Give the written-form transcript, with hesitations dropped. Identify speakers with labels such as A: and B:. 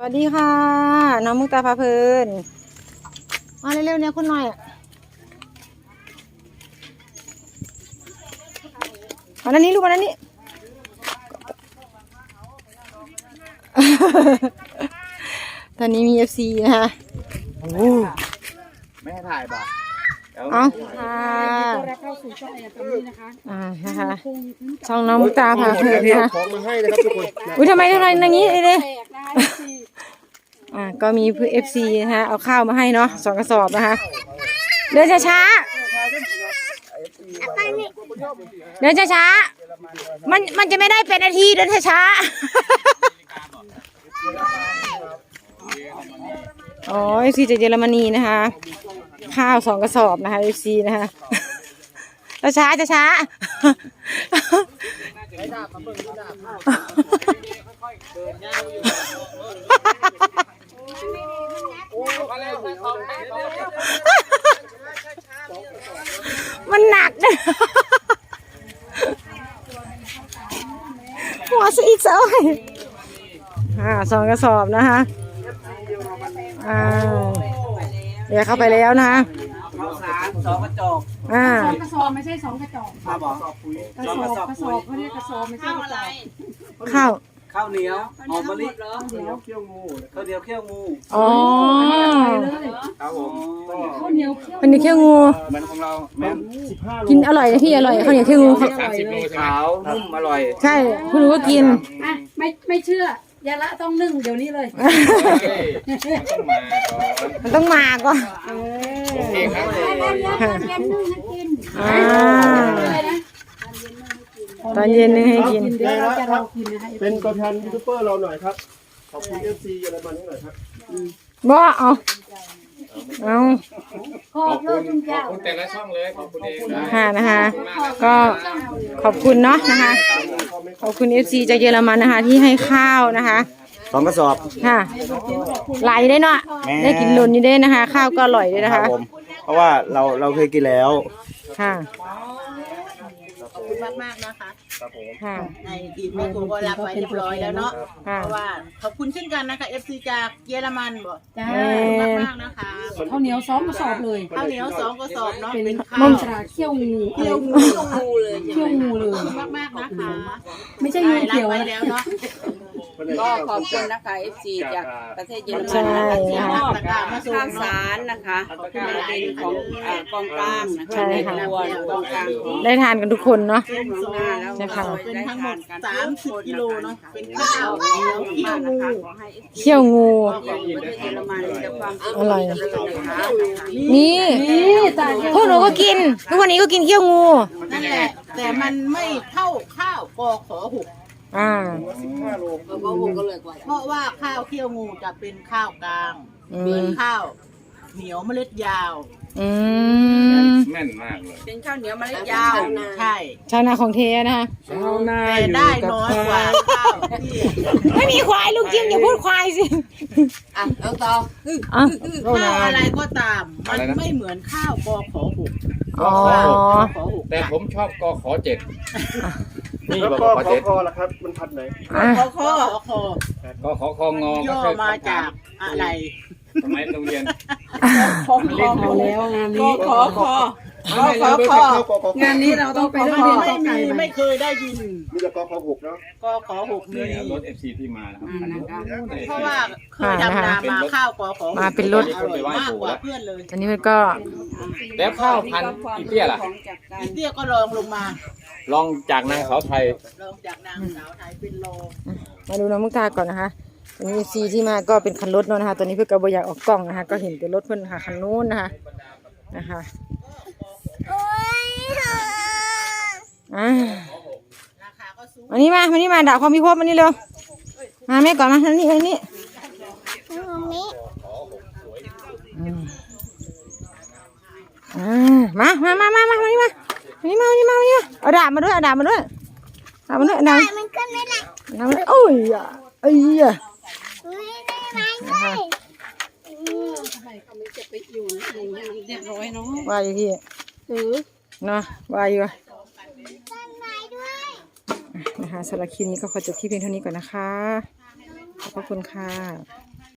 A: วัสดีค่ะน้องมุกตาพาเพลินมาเร็วๆเนี่ยคุณหน่อยมาด้านนี้ลูกมาด้านนี้ ตอนนี้มี FC นะคะโอ้
B: ไม่ให้ถ่ายบ่
A: เอาค่ะเข้าสู่ช่องแอร์ตรงนี้นะคะนะคะช่องน้องมุกตาพาเพลินนะคะ
B: ของมาให้นะครับทุกคน
A: อุ้ยทำไมอย่างนี้เลยก็มีเพื่อ FC นะคะเอาข้าวมาให้เนาะ2 กระสอบนะคะเดินช้าๆเดินช้าๆมันจะไม่ได้เป็นนาทีเดินช้าๆอ๋อ FC จากเยอรมนีนะคะข้าว2 กระสอบนะคะ FC นะคะช้าช้ามันหนักนะหัวซะอีกซะ2 กระสอบนะคะเดี๋ยวเข้าไปแล้วนะ
B: ข้าวสาร2 กระจก
C: 2 กระสอบไม่ใช่2 กระจก
B: มาบอก
C: กระสอบเขาเรียกกระสอบไม่ใช่กระจก
B: ข้าวเหนียวหอมมะลิข้าวเหนียวเคี่ยวงู
A: อ๋อ
B: ครับผม
C: ข้าวเหนียว
A: เคี่ยวงู
B: มันของเราแม่
A: กินอร่อยนะพี่อร่อยข้าวเหนียวเคี่ยวงู
B: 30 โลขาวนุ่มอร่อย
A: ใช่คุณรู้ว่ากิน
C: ไม่เชื่อยาละต้องนึ่งเดี๋ยวนี้เลย
A: มันต้องมาก่อน
B: โอเคครับ
A: ตอนเย็นนึ่งให้กิน
D: เป็นตัวแทนยูทูบเบอร์เราหน่อยครับขอบคุณ FC เยอรมันให้หน่อยครับ
A: บ่เอา
C: ขอบ
B: คุณแต่ละช่องเลยขอบคุณเอง
A: นะคะก็ขอบคุณเนาะนะคะขอบคุณ FC จากเยอรมันนะคะที่ให้ข้าวนะคะ
B: 2 กระสอบ
A: ค่ะไหลได้เนาะได้กินล้นนี่ได้นะคะข้าวก็อร่อยด้วยนะคะ
B: เพราะว่าเราเคยกินแล้ว
A: ค่ะ
E: ขอบคุณมากๆนะคะในทีมแม่ครูก็รับไว้เรียบร้อยแล้วเนาะเพราะว่าขอบคุณเช่นกันนะคะ FC จากเยอรมันบอกมากๆนะคะ
C: ข้าวเหนียว2 กระสอบเลย
E: ข้าวเหนียว2 กระสอบเนาะเป็นข้
C: าวเคี่ยวงู
E: เลยมากๆนะคะ
C: ไม่ใช่งูเขียว
E: แล้วเนาะ
F: ก็ขอบคุณนะคะ FC จากประเทศเยอรมันนะคะที่มอบข้าวสารนะคะเป็นของกองกลางนะคะในตัวกองกลาง
A: ได้ทานกันทุกคนเนาะ
E: ใช่ค่ะเป็นทั้งหมด30 กิโลเนาะเป็นข้าวเคี่ยวงู
A: อร่อยนี่พวกหนูก็กินทุกวันนี้ก็กินเคี่ยวงู
E: นั่นแหละแต่มันไม่เท่าข้าวกข.6เพราะว่าข้าวเคี่ยวงูจะเป็นข้าวกลางเป็นข้าวเหนียวเมล็ดยาว
B: แม่นมากเลย
F: เป็นข้าวเหนียวเมล็ดยาว
E: ใช่
A: ชาวนาของเทนะคะ
E: แต่ได้น้อยกว่าข้าว
A: ไม่มีควายลุงจิมอย่าพูดควายสิ
F: เอาต่อ
E: ข้าวอะไรก็ตามมันไม่เหมือนข้าวกข.6
B: แต่ผมชอบกข.7
D: นี่แล้วก็คอล่ะครับมันพันไหน
E: กข.
B: คอง
E: ย่อมาจากอะไร
B: สมัยโรงเรียน
C: เอาแล้วงานนี้งานนี้เราต้องไปเรียน
E: ไม่เคยได้ยิน
D: มีแต่กข.6เนาะ
E: กข.6มี
B: รถ FC ที่มานะครับ
E: เพราะว่าเคยทำนามาข้าวกข.6
A: มาเป็นรถ
E: มากกว่าเพื่อนเลย
A: ตอนนี้มันก็
B: แล้วข้าวพันอีเตี้ยล่ะ
E: อีเตี้ยก็ลองลงมา
B: ลองจากนางสาวไทย
E: ลองจากนางสาวไทยเป็นโล
A: มาดูน้องมุกตาก่อนนะคะตอนนี้ซีที่มาก็เป็นคันรถเนาะนะคะตอนนี้เพื่อกระบอยากออกกล้องนะคะก็เห็นแต่รถเพื่อนค่ะคันนู้นนะคะวันนี้มาด่าความพิภพวันนี้เร็วมาแม่ก่อนมานี่มาเอาด่ามาด้วยมันขึ้นไม่ได้โอ้ยว่าอยู่ที่เนาะว่าอยู่นะคะสำหรับคลิปนี้ก็ขอจบที่เพียงเท่านี้ก่อนนะคะขอบคุณค่ะ